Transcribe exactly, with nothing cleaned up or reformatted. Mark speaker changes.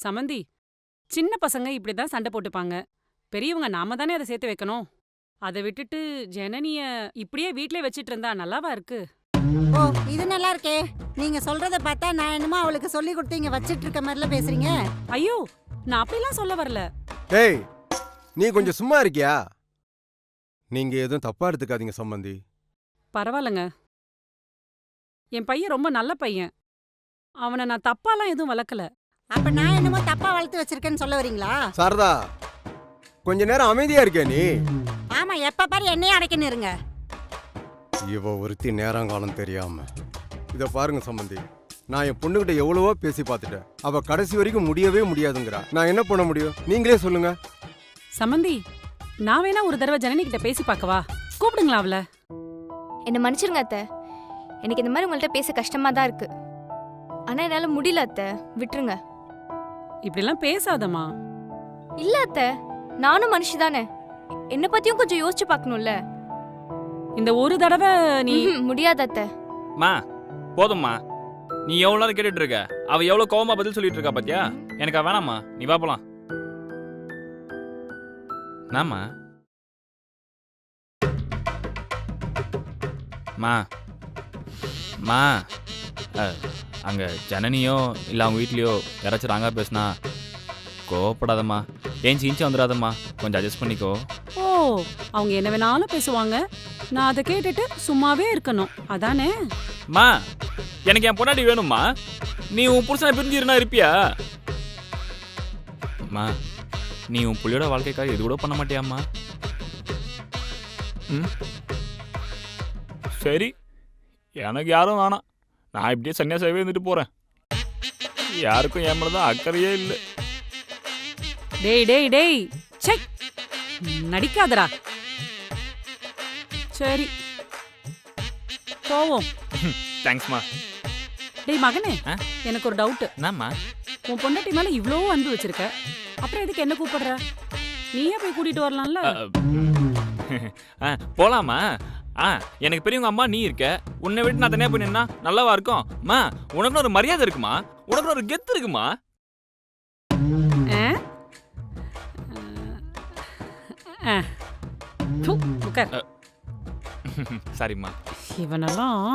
Speaker 1: சமந்தி, சின்ன பசங்க இப்படிதான் சண்டை போட்டுப்பாங்க. பெரியவங்க நாம தானே அதை சேர்த்து வைக்கணும். அதை விட்டுட்டு ஜனனிய இப்படியே வீட்லயே வச்சிட்டு இருந்தா நல்லாவா இருக்கு?
Speaker 2: ஓ, இது நல்லா இருக்கே. நீங்க சொல்றத பார்த்தா நான் என்னமோ அவளுக்கு சொல்லி கொடுத்து இங்க வச்சிட்டு இருக்க மாதிரில பேசுறீங்க.
Speaker 1: ஐயோ, நான் அப்படிலாம் சொல்ல வரல.
Speaker 3: டேய், நீ கொஞ்சம் சும்மா இருக்கியா? நீங்க எதுவும் தப்பா எடுத்துக்காதீங்க சம்பந்தி.
Speaker 1: பரவாயில்லங்க. என் பையன் ரொம்ப நல்ல பையன். அவனை நான் தப்பாலாம் எதுவும் வளர்க்கல.
Speaker 2: அப்ப நான் என்னமோ தப்பா வளர்த்து வச்சிருக்கேன்னு சொல்ல வரீங்களா?
Speaker 3: சாரதா, கொஞ்ச நேரம் அமைதியா இருக்கியா நீ?
Speaker 2: ஆமா, எப்ப பாரு என்னையே அடைக்கணும் இருங்க.
Speaker 3: இவ ஒருத்தி நேரங்காலம் தெரியாம. இத பாருங்க சம்பந்தி, நான் என் பொண்ணுகிட்ட எவ்வளவோ பேசி பார்த்துட்டேன். அவ கடைசி வரைக்கும் முடியவே முடியாதுங்கிறா. நான் என்ன பண்ண முடியும்? நீங்களே சொல்லுங்க.
Speaker 1: சமந்தி, நான் வேணா ஒரு தடவை ஜனனி கிட்ட பேசி பார்க்கவா? கூப்பிடுங்களா அவள?
Speaker 4: என்ன மன்னிச்சிருங்க அத்தை. எனக்கு இந்த மாதிரி உங்கள்கிட்ட பேச கஷ்டமா தான் இருக்கு. ஆனா என்னால முடியல அத்தை, விட்டுருங்க.
Speaker 1: இப்படிலாம் பேசாதம்மா.
Speaker 4: இல்ல அத்தை, நானும் மனுஷி தானே. என்ன பத்தியும் கொஞ்சம் யோசிச்சு பார்க்கணும்ல.
Speaker 1: இந்த ஒரு தடவை நீ
Speaker 4: ம்ஹும், முடியாது அத்தை.
Speaker 5: மா போதும்மா, நீ எவ்வளோ நேரம் கேட்டுட்டு இருக்க? அவ எவ்வளோ கோவமா பதில் சொல்லிட்டு இருக்கா பாத்தியா? எனக்கு அவ வேணாம்மா, நீ வா போலாம். நாமா மா மா அஹ், அங்க ஜனனியோ இல்லை அவங்க வீட்லயோ யாராச்சும் ராங்கா பேசுனா கோவப்படாதம்மா. ஏஞ்சி இன்ச்சு வந்துடாதம்மா, கொஞ்சம் அட்ஜஸ்ட் பண்ணிக்கோ.
Speaker 1: ஓ, அவங்க என்ன வேணாலும் பேசுவாங்க. நான் அதை கேட்டுட்டு சும்மாவே இருக்கணும், அதானே?
Speaker 5: மா, எனக்கு என் பொண்டாட்டி வேணும்மா. நீ உன் புருஷனை பிரிஞ்சிருந்தா இருப்பியா? மா, நீ உன் புள்ளியோட வாழ்க்கைக்காக இது கூட பண்ண மாட்டியாம்மா? ம், சரி, எனக்கு யாரும் வேணாம். நான் இப்படியே சன்னியாசாவே இருந்துட்டு போறேன். யாருக்கும் என் மேலதான் அக்கறையே இல்லை.
Speaker 1: டேய் டேய் டேய், சை, நடிக்காதடா. சரி, போவோம்.
Speaker 5: தேங்க்ஸ்மா.
Speaker 1: டேய் மகனே,
Speaker 5: ஆ?
Speaker 1: எனக்கு ஒரு டவுட்.
Speaker 5: என்னம்மா?
Speaker 1: உன் பொண்டாட்டி மேல இவ்ளோ அன்பு வச்சிருக்க, அப்புறம் எதுக்கு என்ன கூப்பிடுற? நீயே போய் கூட்டிட்டு வரலாம்ல.
Speaker 5: ஆ, போலாமா? ஆ, எனக்கு பெரியவங்க அம்மா நீ இருக்க. உன்னை விட்டு நான் தனியா போய் நின்னா நல்லாவா இருக்கும்? மா, உனக்கு ஒரு மரியாதை இருக்குமா? உனக்கு ஒரு கெத்து இருக்குமா?
Speaker 1: ஆ? ஆ. தூ, உட்கார்.
Speaker 5: சரிம்மா.
Speaker 1: இவனெல்லாம்